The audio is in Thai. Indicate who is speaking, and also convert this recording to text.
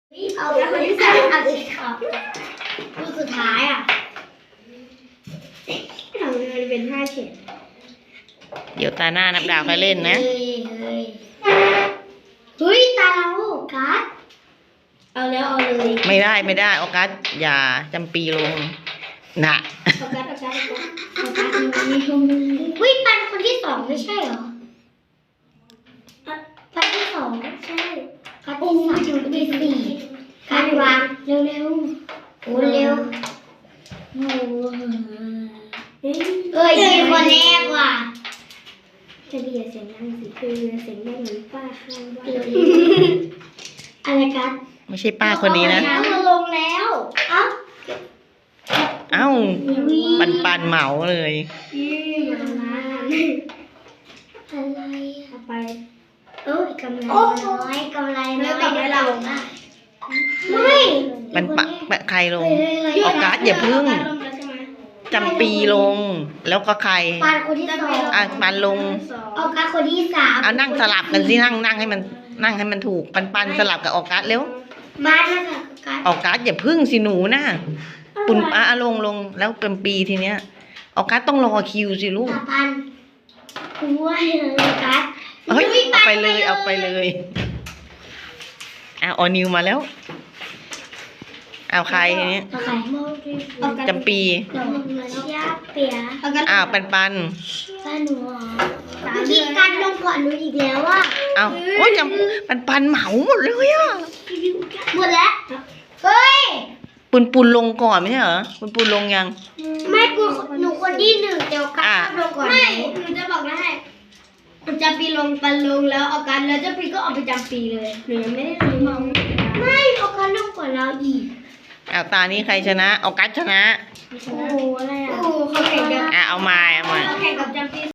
Speaker 1: เอาคนที่สามเอาสิครับรูปสุดท้ายอ่ะทำเลยเป็น5 เฉด
Speaker 2: เดี๋ยวตาหน้านับดาวค่อยเล่นนะ
Speaker 1: เฮ้ยตาเรากัสเอาแล้วเอาเลย
Speaker 2: ไม่ได้ออกัสอย่าจำปีลงนะ
Speaker 1: เอากัสเฮ้ยปันคนที่ 2ไม่ใช่เหรอปันที่ 2ใช่กัสที่ 3ที่ 4กัสวางเร็วโอ้เร็วโอ้ยีคนแรกว่ะจะเบียดเสียงดังสิคือเสียงดังเหมือนป้าข้างบ้านอะไรกัส
Speaker 2: ไม่ใช่ป้าคนนี้นะ
Speaker 1: เอาลงแล้ว
Speaker 2: เอ้าปันเหมาเลย
Speaker 1: อะไรอะไปกำไรน้อยกำไรน้อยกำไรเราไม่
Speaker 2: ใครลงออกัสอย่าพึ่งจำปีลงแล้วก็ใคร
Speaker 1: ปานคนที่ 2
Speaker 2: ปันลง
Speaker 1: ออกัสคนที่ 3
Speaker 2: เอานั่งสลับกันสินั่งให้มันถูกปันสลับกับออกัสเร็ว
Speaker 1: บ้านนะคะ
Speaker 2: ออกัสอย่าพึ่งสิหนูนะปุ่นลงแล้วเป็นปีทีเนี้ยออกัสต้องรอคิวสิลูก
Speaker 1: ปันคุยออกัส
Speaker 2: เฮ้ยเอาไปเลยออนิวมาแล้วเอาใครทีนี้จำปี
Speaker 1: เชียเปีย
Speaker 2: ปัน
Speaker 1: ป้าหนูที่การลงก่อนหนูอีกแล้วว่า
Speaker 2: โอ้ยปันเหมาหมดเลยอ่ะ
Speaker 1: หมดแล้วเฮ้ย
Speaker 2: ปุนลงก่อนไม่ใช่เหรอปุนลงยัง
Speaker 1: ไม่หนูคนที่ 1เดี๋ยวกันลงก่อนไม่หนูจะบอกได้จำปีลงปันลงแล้วออกันแล้วเจ้าปีก็ออกไปจำปีเลยหนูยังไม่ได้ลงไม่ออกันลงก่อนเราอีก
Speaker 2: ตานี้ใครชนะออกัสชนะ
Speaker 1: โอ้อะไรอ่ะโอ้เขาแข่งกัน
Speaker 2: เอามา
Speaker 1: เขาแข่งกับจำ